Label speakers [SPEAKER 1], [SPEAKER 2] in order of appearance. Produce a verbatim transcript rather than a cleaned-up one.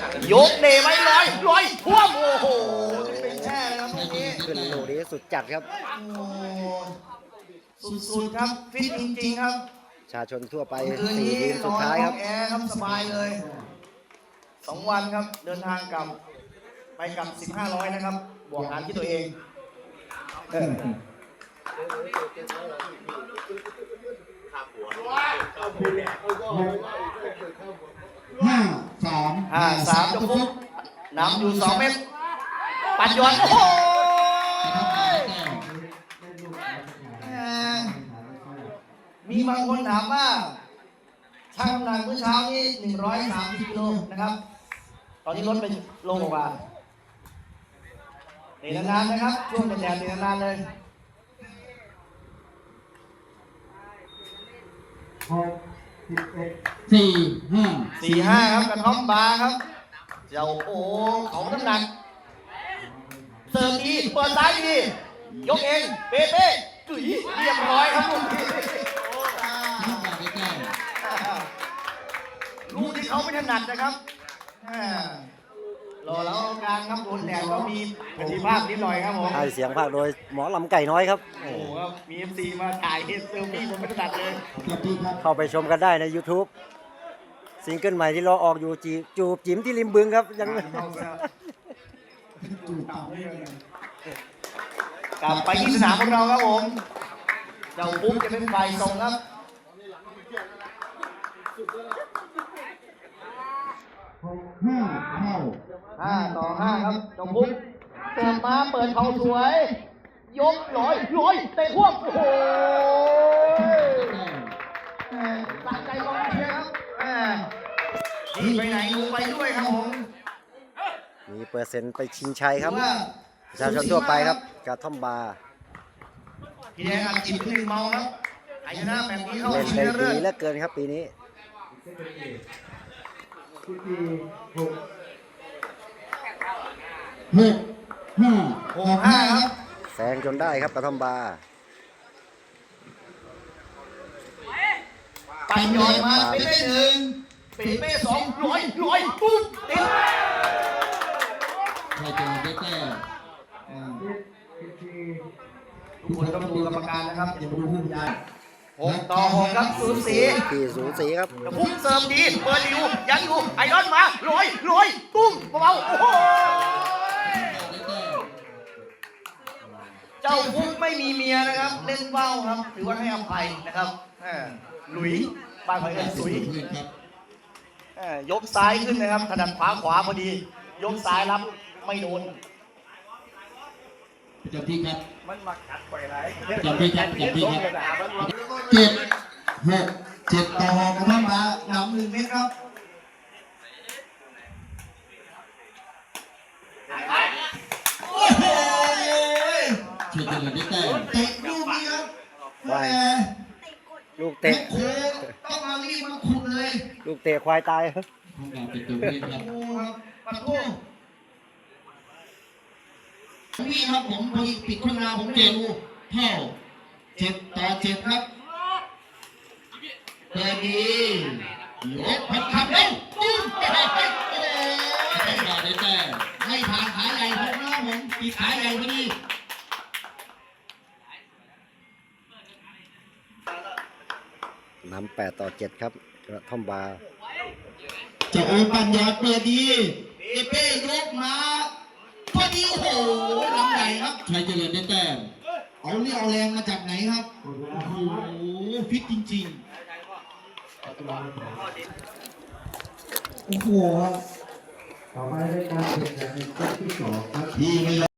[SPEAKER 1] ยกเดไว้ลอยลอยท่วมโอ้โหเป็นแช่เลยครับลูกนี้
[SPEAKER 2] ขึ้นลูกนี้สุดจัดครับ
[SPEAKER 1] สุดๆครับฟิตจริงๆครับ
[SPEAKER 2] ชาชนทั่วไป
[SPEAKER 1] คืน
[SPEAKER 2] สี่
[SPEAKER 1] นี้
[SPEAKER 2] ทีมสุดท้ายครับ
[SPEAKER 1] แอร์ครับสบายเลยสองวันครับเดินทางกลับไปกลับสิบห้าร้อยนะครับบวกหารที่ตัวเอง
[SPEAKER 3] ห้าสาม
[SPEAKER 1] ห้าสามจะฟุกนำอยู่สองเมตรปัดยอนโอ้โหมีบางคนถามว่าช่างน้ำหนักเมื่อเช้านี้หนึ่งร้อยสามสิบกิโลนะครับตอนนี้ลดไปโลกว่าเตะนานๆนะครับช่วงเป็นแดดเตะนานๆเลย
[SPEAKER 3] หกสิบเอ็ดสี่ห้า
[SPEAKER 1] สี่ห้าครับกระท่อมบาร์ครับเจ้าโอ้ของน้ำหนักเสิร์ฟดีเปิดซ้ายดียกเองเป๊ะๆจุ๋ยเรียบร้อยครับลูกนี้ลูกที่เขาไม่ถนัดนะครับรอแล้วการครับโดนแดดก็มีประสิทธิภาพนิดหน่อยครับผม
[SPEAKER 2] ให้เสียงภาคโดยหมอลำไก่น้อยครับ
[SPEAKER 1] โอ้โหครับมีเอฟซีมาถ่ายเซลฟี่ผมไม่ถนัดเลย
[SPEAKER 2] เข้าไปชมกันได้ใน YouTube ซิงเกิลใหม่ที่เราออกอยู่จีจูบจิ๋มที่ริมบึงครับยัง
[SPEAKER 1] กลับไปที่สนามของเราครับผมเจ้าปุ๊บจะเป็นฝ่ายส่งครับ
[SPEAKER 3] ห้าเท่า
[SPEAKER 1] ห้าต่อห้าครับเจ้าปุ๊บเสิร์ฟมาเปิดเขาสวยยกลอยลอยเตะควบโอ้โหสะใจกองเชียร์ครับนี่ไปไหนดูไปด้วยครับผม
[SPEAKER 2] มีเปอร์เซ็นต์ไปชิงชัยครับประชาชนทั่วไปครับกระท่อมบาร์
[SPEAKER 1] พี่แดงอัดจิตเป็นหนึ่งเมาครับไอ้ชนะแบบนี้เข้า
[SPEAKER 2] เล่น
[SPEAKER 1] ชิง
[SPEAKER 2] ได้
[SPEAKER 1] เรื่
[SPEAKER 2] ดี
[SPEAKER 1] อย
[SPEAKER 2] เหลือเกินครับปีนี้
[SPEAKER 3] สิบสี่หกหกห้า
[SPEAKER 1] หกห้าครับ
[SPEAKER 2] แซงจนได้ครับกระท่อมบาร์
[SPEAKER 1] ไปย้อนมาเป็นเลขหนึ่งเป็นเลขสองร้อยร้อยปุ๊บติด
[SPEAKER 3] ใครจะได้แต้ม
[SPEAKER 1] ทุกคนต้องดูกรรมการนะครับอย่าดูผู้บรรยายหกต่อหกครับสูสี
[SPEAKER 2] ที่สูสีครับ
[SPEAKER 1] แต่พุ่งเสิร์ฟดีเปิดอยู่ยังอยู่ไอรอนมาลอยลอยตุ้มเบาๆโอ้โหเจ้าพุ่งไม่มีเมียนะครับเล่นเบ้าครับถือว่าให้อภัยนะครับหลุยบ้านเขาเรียกสุยยกซ้ายขึ้นนะครับถนัดขวาขวาพอดียกซ้ายรับไม่โดน
[SPEAKER 3] จำที่ครับ
[SPEAKER 1] มันมากัดไปไหน
[SPEAKER 3] จำที่ครับจำที่ครับเจ็ดหกเจ็ดต่อหกครับมา
[SPEAKER 1] หนำหนึ่งเมตรครับโอ้โห
[SPEAKER 3] ช่วยกันเลยได้แต้ม
[SPEAKER 1] เตะลูกนี้ครับแหม
[SPEAKER 2] ลูก
[SPEAKER 1] เตะ
[SPEAKER 2] เตะ
[SPEAKER 1] โค้งต้องมารีบมาขุดเลย
[SPEAKER 2] ลูกเตะควายตายครับ
[SPEAKER 3] ห้องการเป็นตัวเล่นครับ
[SPEAKER 1] โอ้ครับปัดโค้งพี่ครับผมพอดีปิดข้างหน้าผมเจ็บ
[SPEAKER 3] เท่าเจ็ดต่อเจ็ดครับเตะดียกพัดขับเร็วตุ้มห้องการได้แต้ม
[SPEAKER 1] ให้ผ่านขาใหญ่ผมนะครับผมปีขาใหญ่พอดี
[SPEAKER 2] นำแปดต่อเจ็ดครับกระท่อมบาร์
[SPEAKER 3] จะโอปัญญาเปิดดีเอเป้ยกมาพอดีโอ้โหลำใหญ่ครับใครเจริญได้แต้ม
[SPEAKER 1] เอาเรี่ยวแรงมาจากไหนครับ
[SPEAKER 3] โอ้โหฟิตจริงๆ
[SPEAKER 1] โอ้โห
[SPEAKER 3] ต่อไปได้การแข่งขันในเซตที่สองครับที่ไม่